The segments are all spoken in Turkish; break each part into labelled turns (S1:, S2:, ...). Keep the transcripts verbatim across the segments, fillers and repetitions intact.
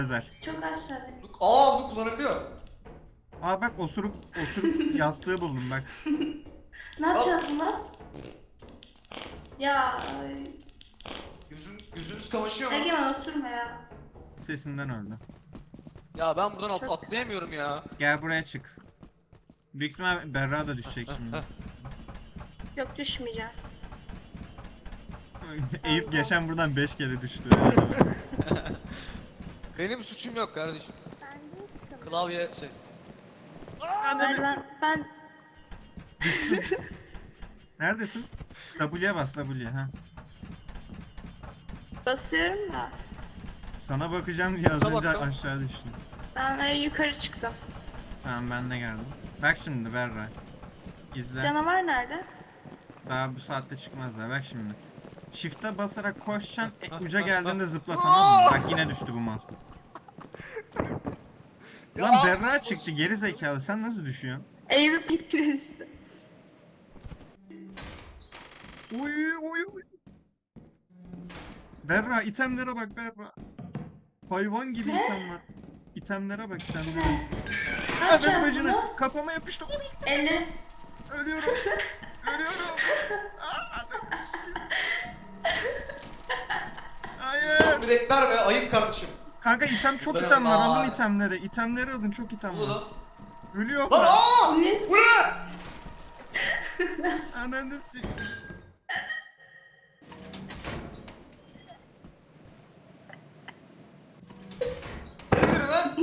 S1: Özel.
S2: Çok aşağıda.
S3: Aa bunu kullanabiliyor.
S1: Aa bak osuruk osuruk yastığı buldum bak.
S2: Ne yapacağız bunu? Ya ay.
S3: Gözün, gözünüz kamaşıyor mu?
S2: Egemen osurma ya.
S1: Sesinden öldü.
S3: Ya ben buradan at-
S2: Çok-
S3: atlayamıyorum ya.
S1: Gel buraya çık. Büyük ihtimal Berra da düşecek şimdi.
S2: Yok düşmeyeceğim.
S1: Eyüp geçen buradan beş kere düştü.
S3: Benim suçum yok kardeşim. Klavye şey.
S2: Ben ben, ben
S1: Neredesin? W'ye bas W'ye ha.
S2: basıyorum da.
S1: Sana bakacağım diye az
S3: Sese
S1: önce
S3: bak lan.
S1: aşağı düştüm.
S2: Ben e, yukarı çıktım.
S1: Tamam ben de geldim. Bak şimdi Berra. İzle.
S2: Canavar nerede?
S1: Daha bu saatte çıkmazlar. Bak şimdi. Shift'e basarak koşacaksın. E, uca geldiğinde zıpla tamam mı? Bak yine düştü bu mal. Lan
S3: Ya!
S1: Berra çıktı geri zekalı. Sen nasıl düşüyorsun?
S2: Eyüp bir düştü.
S1: Uy uy uy. Berra itemlere bak Berra. Hayvan gibi
S2: Ne?
S1: item var. İtemlere bak itemlere.
S2: Ne? Ne
S1: Hadi
S2: yapacağız
S1: bacını
S2: bunu?
S1: kafama yapıştı.
S2: Elleri.
S1: Ölüyorum. Ölüyorum. Aa, Hayır.
S3: Bir bekler be ayıp kardeşim.
S1: Kanka item çok
S3: Ben-
S1: item var.
S3: Aa.
S1: Alın itemleri. İtemleri alın çok item
S3: Bu
S1: var.
S3: da.
S1: Ölüyor
S3: Lan
S1: bak.
S3: aa!
S2: Ne?
S3: Bu ne?
S1: Ananı sik.
S3: Ses verin lan.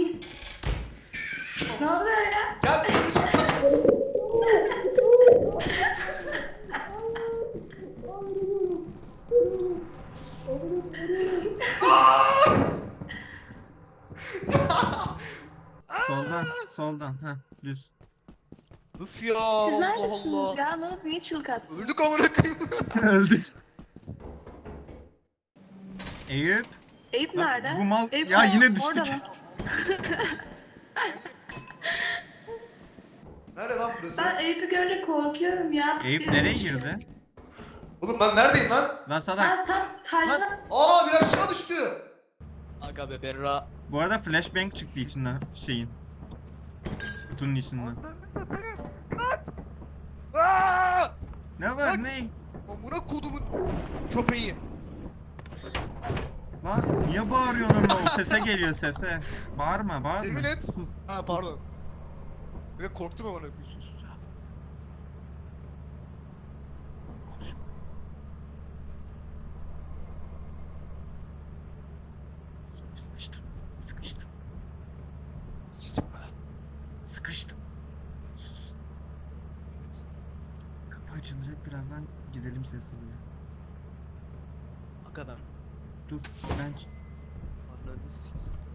S2: Ne oluyor ya?
S3: Gel dışarı çık kaç.
S1: Soldan, soldan. Ha, düz.
S3: Üf ya
S2: Siz
S3: Allah
S2: neredesiniz
S3: Allah.
S2: ya? Ne oldu? Niye çığlık attın?
S3: Öldük amına koyayım.
S1: Öldük. Eyüp.
S2: Eyüp
S1: Lan
S2: nerede?
S1: bu mal
S2: Eyüp
S1: ya
S2: orada-
S1: yine düştü.
S2: orada mı?
S3: Nerede lan burası?
S2: Ben Eyüp'ü görünce korkuyorum ya.
S1: Eyüp
S2: Bir-
S1: nereye girdi?
S3: Oğlum ben neredeyim lan?
S1: Lan salak.
S2: Ben tam karşına...
S3: Aa bir aşağı düştü. Aga be Berra.
S1: Bu arada flashbang çıktı içinden şeyin. Kutunun içinden.
S3: Aa!
S1: Ne var
S3: Bak.
S1: ne?
S3: Amına kodumun köpeği.
S1: Lan niye bağırıyorsun ama o sese geliyor sese. Bağırma bağırma.
S3: Yemin et.
S1: Sus.
S3: Ha pardon. Ve korktum amına koyayım.
S1: Sus. Sıkıştım. Sıkıştım.
S3: Sıçtım ben.
S1: Sıkıştım. Sus. Kapı açılacak birazdan gidelim sesliye.
S3: Aga ben.
S1: Dur ben ç-
S3: Ananı sik.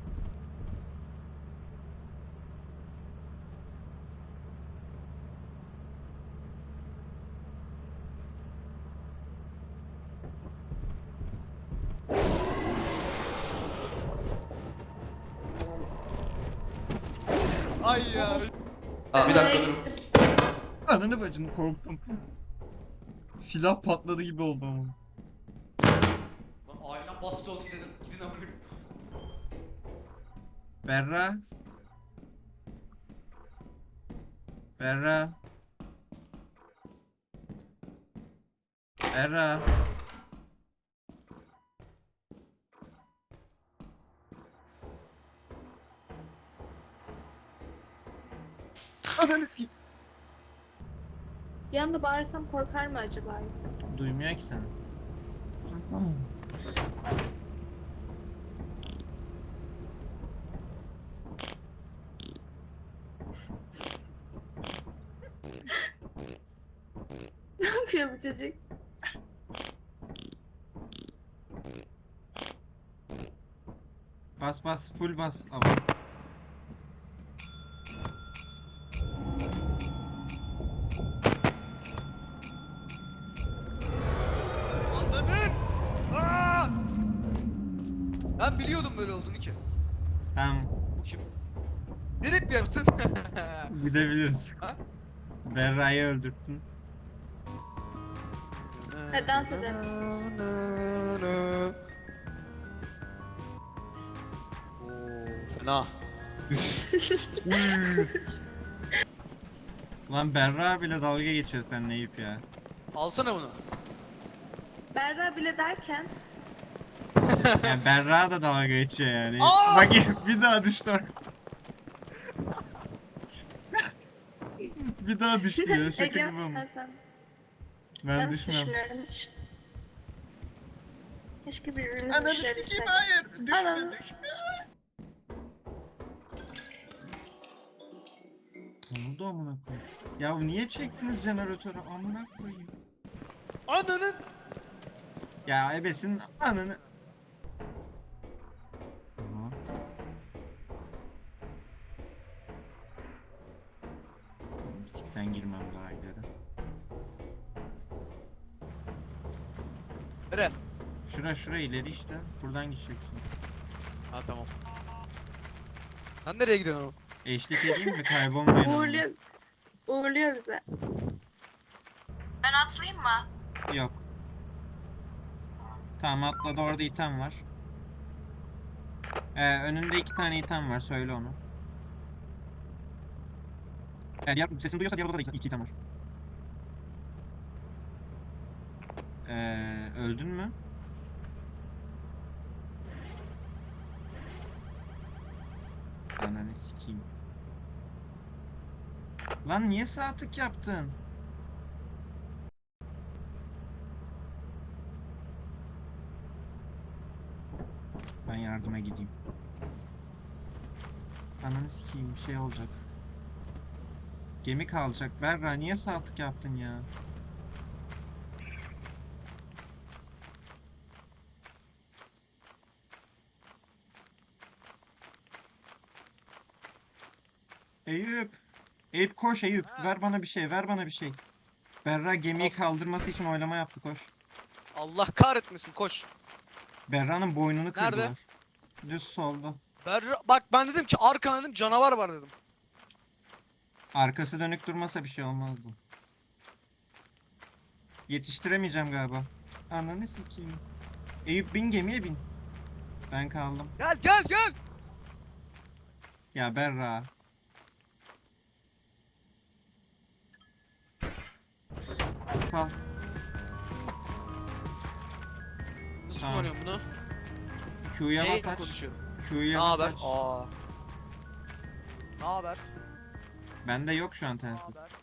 S3: Ay ya. Aa, bir dakika durun.
S1: Ananı bacını korktum. Silah patladı gibi oldu ama.
S3: Lan ailem baskı oldu dedim. Gidin amına koyayım.
S1: Berra. Berra. Berra. Ananı sikeyim.
S2: Bir anda bağırsam korkar mı acaba?
S1: Duymuyor ki seni.
S2: Ne yapıyor bu çocuk?
S1: Bas bas full bas ama.
S3: Anladın? Aa! Ben biliyordum böyle olduğunu ki.
S1: Tamam.
S3: Bu kim? Nerek mi yaptın?
S1: Gidebiliriz.
S3: Ha?
S1: Berra'yı öldürttün.
S2: Hadi dans edelim.
S3: Oo.
S4: geldin ha.
S1: Lan Berra bile dalga geçiyor seninle Eyüp ya.
S4: Alsana bunu.
S2: Berra bile derken
S1: Yani Berra da dalga geçiyor yani.
S4: Aa!
S1: Bak bir daha düştü. Bir daha düştü ya. Şaka
S2: Ege
S1: gibi ama.
S2: ben sen.
S1: Ben
S2: Ben
S1: düşmüyorum.
S2: düşünmüyorum hiç. Keşke birbirimizi
S1: Ananı sikeyim
S2: düşürebilsek.
S1: hayır. Düşme
S2: Ananı-
S1: düşme. Ne oldu amına koyayım? Ya niye çektiniz jeneratörü amına koyayım?
S4: Ananın.
S1: Ya ebesin ananı. Aha. Siksen girmem daha ileri.
S4: Nere?
S1: Şura şura ileri işte. Buradan gideceksin.
S4: Ha tamam. Sen nereye gidiyorsun oğlum?
S1: Eşlik edeyim mi kaybolmayın. ama.
S2: Uğurluyor. Uğurluyor bize. Ben atlayayım mı?
S1: Yok. Tamam atladı orada item var. Ee, önünde iki tane item var söyle onu. Ee, diğer sesini duyuyorsa diğer odada da iki, iki item var. Ee, öldün mü? Ananı sikeyim. Lan niye sağ tık yaptın? Ben yardıma gideyim. Ananı sikeyim bir şey olacak. Gemi kalacak. Berra niye sağ tık yaptın ya? Eyüp. Eyüp koş Eyüp.
S4: Ha.
S1: Ver bana bir şey. Ver bana bir şey. Berra gemiyi
S4: Al.
S1: kaldırması için oylama yaptı koş.
S4: Allah kahretmesin koş.
S1: Berra'nın boynunu
S4: Nerede?
S1: kırdılar. Düz solda.
S4: Berra bak ben dedim ki arkana dedim canavar var dedim.
S1: Arkası dönük durmasa bir şey olmazdı. Yetiştiremeyeceğim galiba. Ananı sikeyim. Eyüp bin gemiye bin. Ben kaldım.
S4: Gel gel gel.
S1: Ya Berra. Kal.
S4: Nasıl
S1: Tamam.
S4: kullanıyorum bunu?
S1: Q'ya
S4: Neyle
S1: bas aç.
S4: konuşuyorum? Ne
S1: Q'ya bas
S4: haber?
S1: aç.
S4: Aa. Ne haber?
S1: Bende yok şu an
S4: Ne
S1: telsiz.
S4: haber?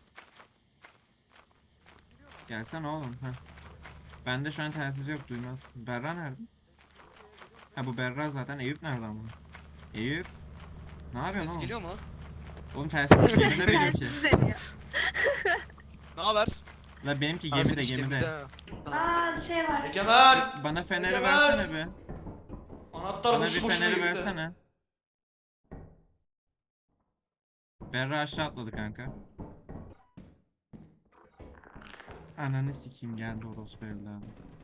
S1: Gelsene oğlum. Heh. Bende şu an telsiz yok duymaz. Berra nerede? Ha bu Berra zaten. Eyüp nerede ama? Eyüp. Ne yapıyorsun
S4: Ses
S1: oğlum?
S4: geliyor mu?
S1: Oğlum telsiz gemide benimki.
S2: Telsiz deniyor.
S4: Ne haber?
S1: La benimki
S4: Ha,
S1: gemide
S4: seninki
S1: gemide.
S2: Aa bir şey var.
S3: Egemen!
S1: Bana feneri
S3: Egemen!
S1: versene bir.
S3: Anahtar
S1: Bana
S3: boşu
S1: bir
S3: boşuna
S1: feneri
S3: gitti.
S1: versene. Berra aşağı atladı kanka. Ananı sikeyim geldi orospu evladı.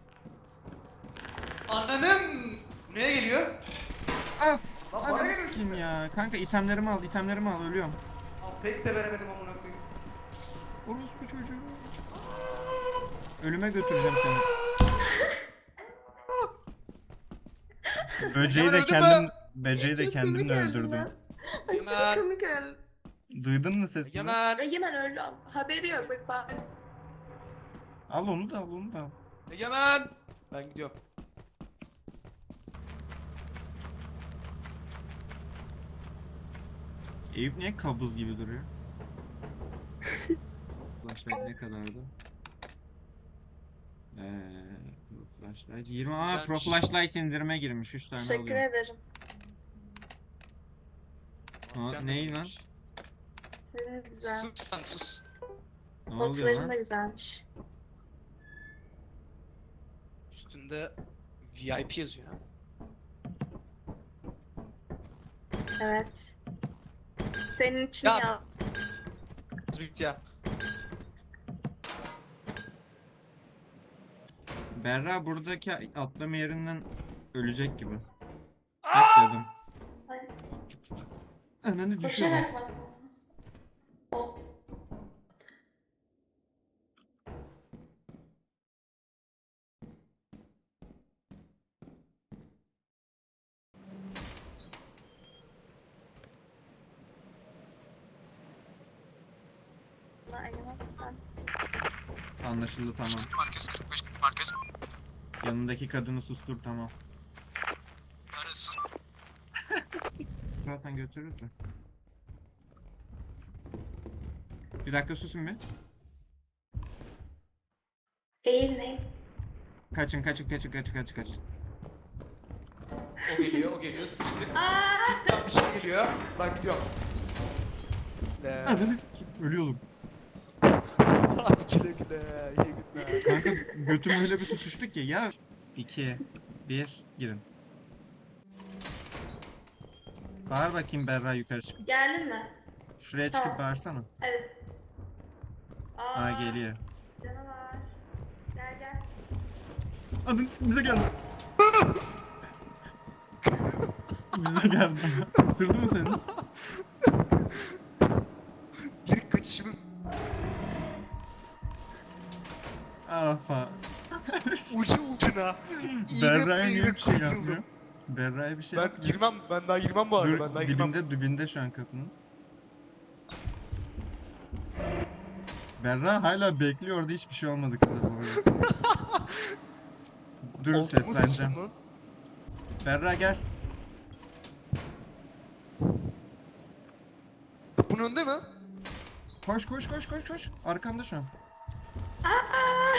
S3: Ananın! Neye geliyor?
S1: Af!
S3: Lan bana
S1: Ananı
S3: geliyor.
S1: sikeyim ya. Kanka itemlerimi al, itemlerimi al ölüyorum.
S3: Lan pek de veremedim amına koyayım.
S1: Orospu çocuğu. Ölüme götüreceğim seni. Böceği de
S4: Öldün mü?
S1: kendim, böceği de
S2: Çok
S1: kendimle
S2: komik öldüm
S1: öldürdüm.
S2: ben.
S4: Egemen.
S2: Aşırı komik öldüm.
S1: Duydun mu sesini?
S4: Egemen.
S2: Egemen öldü ama haberi yok bak bak.
S1: Al onu da al onu da al.
S4: Egemen. Ben gidiyorum.
S1: Eyüp niye kabuz gibi duruyor? Flashlight ne kadardı? Eee, Pro Flashlight yirmi. Aa Pro
S4: Güzelmiş.
S1: Flashlight indirime girmiş. üç tane
S2: Teşekkür
S1: alıyorum.
S2: ederim.
S4: Masken de
S1: neyi
S4: güzelmiş.
S2: Senin de güzel.
S4: Sus sen sus.
S1: Ne oluyor
S2: Notların
S1: lan?
S2: da güzelmiş.
S4: Üstünde V I P yazıyor. ha.
S2: Evet. Senin için
S4: Ya-
S2: ya.
S4: Bitti ya.
S1: Berra buradaki atlama yerinden ölecek gibi. Atladım.
S2: Ay,
S1: Ananı düşüyorum.
S2: koşarak bak. O. bana elemezsen.
S1: Anlaşıldı, tamam.
S4: Merkez kırk beş merkez.
S1: Yanındaki kadını sustur, tamam.
S4: Yani sus.
S1: Zaten götürürüz de. Bir dakika susun bir.
S2: Eğilmeyin.
S1: Kaçın kaçın kaçın kaçın kaçın kaçın.
S3: O geliyor, o geliyor. Sıçtık.
S2: Aa!
S3: Tam bir şey geliyor. Ben gidiyorum.
S1: Ananı sikeyim, ölüyordum.
S4: Hadi güle güle. İyi günler.
S1: Kanka götüm öyle bir tutuştu ki ya. iki, bir, girin. Bağır bakayım Berra, yukarı çık.
S2: Geldin mi?
S1: Şuraya çıkıp
S2: Tamam.
S1: bağırsana.
S2: Hadi. Aa,
S1: Ha, geliyor.
S2: Canavar. Gel gel.
S1: Ananı sikeyim, bize geldi. Bize geldi. Isırdı mı seni?
S4: Bir kaçışımız
S1: Ah fa.
S4: ucu ucuna.
S1: Berra'ya
S4: İğne
S1: niye bir şey
S4: kurtuldum.
S1: yapmıyor? Berra'ya bir şey
S4: Ben
S1: yapmıyor.
S4: girmem. Ben daha girmem bu arada.
S1: Dur,
S4: Ben daha girmem.
S1: dibinde dibinde şu an kapının. Berra hala bekliyor, orada hiçbir şey olmadı kıza bu arada. Dur,
S4: Altıma
S1: sesleneceğim.
S4: sıçtım lan.
S1: Berra gel.
S4: Kapının önünde mi?
S1: Koş koş koş koş koş. Arkanda şu an.
S2: Aa!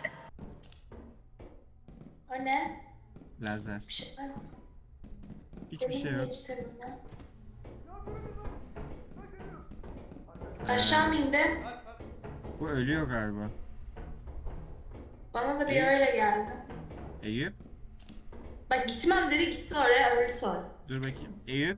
S2: O ne?
S1: Lazer.
S2: Bir şey var mı?
S1: Hiçbir şey
S2: Benim
S1: yok.
S2: geçtim ya. Aşağı mı indi?
S1: Bu ölüyor galiba.
S2: Bana da bir
S1: İyi.
S2: öyle geldi.
S1: Eyüp.
S2: Bak gitmem dedi, gitti oraya, öldü sonra.
S1: Dur bakayım. Eyüp.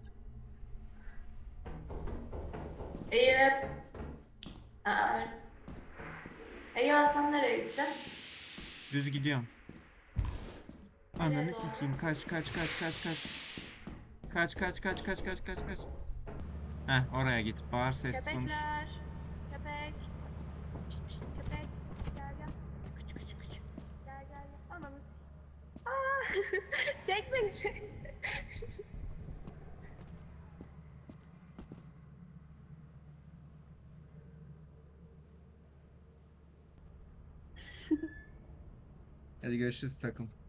S2: Eyüp. Aa, öyle. Eyüp sen nereye gittin?
S1: Düz gidiyorum. Ananı
S2: Nereye doğru?
S1: sikeyim. Kaç kaç kaç kaç kaç. Kaç kaç kaç kaç kaç kaç kaç. Heh, oraya git. Bağır, ses konuş.
S2: Köpekler. Köpek. Pişt pişt köpek. Gel gel. Küçük küçük küçük. Gel gel gel. Ananı. Aa! Çek beni çek.
S1: Hadi görüşürüz takım.